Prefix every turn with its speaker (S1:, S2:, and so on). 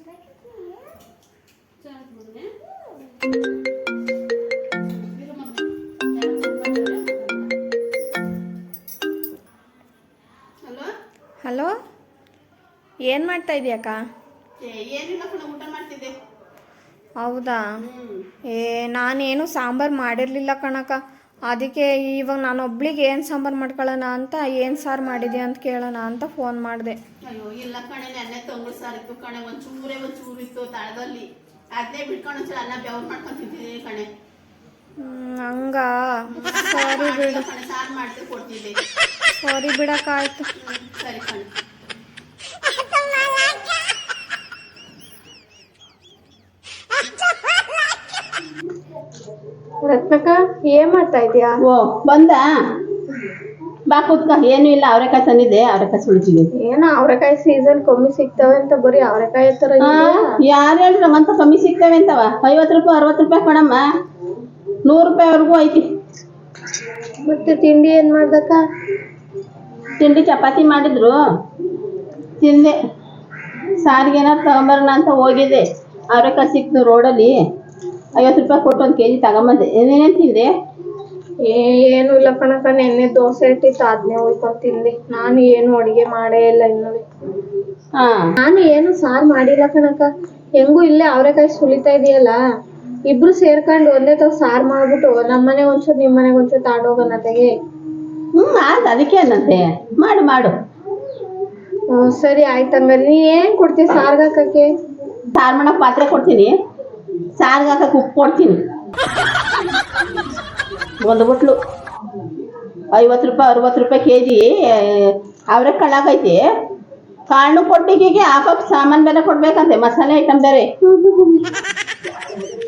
S1: Hello, ಏನು ಮಾಡ್ತಾ ಇದೀಯಕ್ಕ?
S2: ಏನಿಲ್ಲ ಕಣ, ಊಟ ಮಾಡ್ತಿದ್ದೆ.
S1: ಹೌದಾ? ನಾನೇನು ಸಾಂಬಾರು ಮಾಡಿರಲಿಲ್ಲ ಕಣಕ್ಕ. ಅದಕ್ಕೆ ಇವಾಗ ನಾನು ಒಬ್ಳಿಗೆ ಏನು ಸಾಂಬಾರು ಮಾಡ್ಕೊಳ್ಳೋಣ ಅಂತ, ಏನು ಸಾರು ಮಾಡಿದೆ ಅಂತ ಕೇಳೋಣ ಅಂತ ಫೋನ್ ಮಾಡಿದೆ.
S2: ಅಯ್ಯೋ ಇಲ್ಲ ಕಣೆ, ನೆನ್ನೆ ತಂಗಳು ಸಾರಿತ್ತು ಕಣೆ, ಒಂಚೂರು ಇತ್ತು ತಳದಲ್ಲಿ. ಅದನ್ನೇ ಬಿಟ್ಕೊಂಡು ಒಂಚೂರು ಅನ್ನ ಬೆವ್ರು ಮಾಡ್ಕೊಂಡು ತಿಂತಿದ್ದೀನಿ ಕಣೆ.
S1: ಹಂಗ ಸರಿ ಬಿಡು.
S2: ಸಾರು ಮಾಡ್ತಿ ಕೊಡ್ತಿದ್ದೆ.
S1: ಸರಿ ಬಿಡಕ್ಕಾಯ್ತು.
S2: ಸರಿ ಕಣೆ.
S1: ರತ್ನಕ್ಕ, ಏನ್ ಮಾಡ್ತಾ ಇದೀಯಾ?
S2: ಓ ಬಂದ ಬಾ ಕೂತ್ಕ. ಏನು ಇಲ್ಲ, ಅವರೆಕಾಯಿ ತಂದಿದ್ದೆ, ಅವರೆಕಾಯಿ ಸುಳಿತಿದ್ದೆ.
S1: ಏನೋ ಅವರೆಕಾಯಿ ಸೀಸನ್ ಕಮ್ಮಿ ಸಿಗ್ತವೆ ಅಂತ ಬರೀ ಅವರೆಕಾಯಿ ತರ.
S2: ಯಾರು ಹೇಳ್ರಿ ನಮ್ಮಂತ ಕಮ್ಮಿ ಸಿಗ್ತವೆ ಅಂತವ? 50 ರೂಪಾಯಿ 60 ರೂಪಾಯಿ ಕಣಮ್ಮ, 100 ರೂಪಾಯಿವರೆಗೂ ಐತಿ.
S1: ಮತ್ತೆ ತಿಂಡಿ ಏನ್ ಮಾಡ್ದಕ್ಕ?
S2: ತಿಂಡಿ ಚಪಾತಿ ಮಾಡಿದ್ರು, ತಿಂದೆ. ಸಾರಿಗೆ ಏನಾದ್ರು ತಗೊಂಬರೋಣ ಅಂತ ಹೋಗಿದ್ದೆ, ಅವರೆಕಾಯಿ ಸಿಕ್ತು ರೋಡಲ್ಲಿ. 50 ರೂಪಾಯಿ ಕೊಟ್ಟು 1 kg ತಗೊಂಬಂದೆ. ಏನೇನು ತಿಂದೆ?
S1: ಏನು ಇಲ್ಲ ಕಣಕ್ಕ, ನೆನ್ನೆ ದೋಸೆ ಇಟ್ಟಿತ್ತು, ಅದನ್ನೇ ಹೋಯ್ಕೊಂಡು ತಿಂದೆ. ನಾನು ಏನು ಅಡುಗೆ ಮಾಡೇ ಇಲ್ಲ ಇನ್ನು. ನಾನು ಏನು ಸಾರು ಮಾಡಿಲ್ಲ ಕಣಕ್ಕ. ಹೆಂಗೂ ಇಲ್ಲೇ ಅವರೆಕಾಯಿ ಸುಲಿತಾ ಇದೆಯಲ್ಲ, ಇಬ್ರು ಸೇರ್ಕೊಂಡು ಒಂದೇ ತಾವ್ ಸಾರು ಮಾಡ್ಬಿಟ್ಟು ನಮ್ಮನೆ ಒಂಚೂರು ನಿಮ್ಮನೆಗೆ ಒಂಚೂರು ತಗೊಂಡೋಗೋಣ ತೆಗೆ.
S2: ಅದಕ್ಕೆ ಅನ್ನಂತೆ, ಮಾಡು ಮಾಡು.
S1: ಸರಿ ಆಯ್ತು. ಹಂಗಾರೆ ನೀ ಏನು ಕೊಡ್ತೀವಿ ಸಾರ್ಗೆ ಹಾಕಕ್ಕೆ?
S2: ಸಾರು ಮಾಡೋಕೆ ಪಾತ್ರೆ ಕೊಡ್ತೀನಿ, ಸಾರ್ಗೆ ಹಾಕಕ್ಕೆ ಉಪ್ಪು ಕೊಡ್ತೀನಿ. 1 ಬುಟ್ಲು 50 ರೂಪಾಯಿ 60 ರೂಪಾಯಿ kg. ಅವರೆಕಾಳು ಹಾಕೈತಿ, ಕಾಳು ಕೊಟ್ಟಿಗೆಗೆ ಹಾಕೋಕೆ ಸಾಮಾನು ಬೇರೆ ಕೊಡ್ಬೇಕಂತೆ, ಮಸಾಲೆ ಐಟಮ್ ಬೇರೆ.